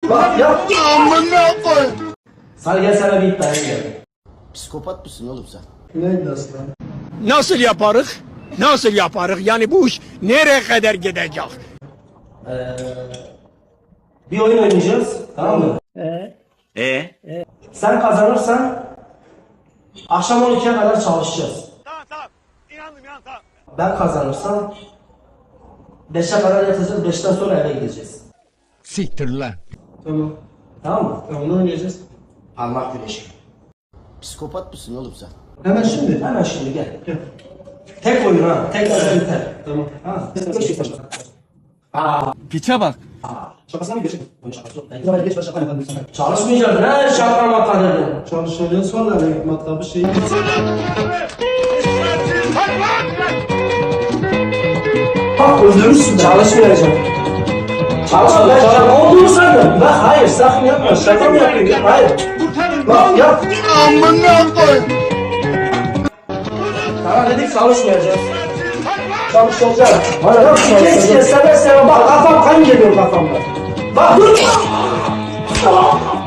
Bak yap. Amına koy. Sal gel sana bir iddiaya gel. Psikopat mısın oğlum sen? Ne iddiası lan? Nasıl yaparız? Nasıl yaparız? Yani bu iş nereye kadar gidecek? Bir oyun oynayacağız, tamam mı? Sen kazanırsan akşam 12'ye kadar çalışacağız. Tamam. İnandım tamam. Ben kazanırsam 5'e kadar yatacağız, 5'ten sonra eve gideceğiz. Siktir lan. Tamam. Tamam mı? Onu oynayacağız. Parmak güreşi. Psikopat mısın oğlum sen? Hemen şimdi. Hemen şimdi gel. Tek oyun ha. Tek oyun biter. Tamam. Ha. Piçe bak. Şakasına mı geçin? Çalışmayacaksın ha şaka maka dedin. Çalışacağız sonra eve matlabı şey. Bak öldürürsün. Çalışmayacaksın. Çalışmayacaksın. Ne olduğunu sandın. Bak hayır sakın yapma. Şaka mı yapıyorsun? Hayır. Bak yap. Amına koy. Sana dedik çalışmayacağız. Çalışacağız. Hayır yapma. Geç seve seve bak kafam kan geliyor kafamda. Bak dur.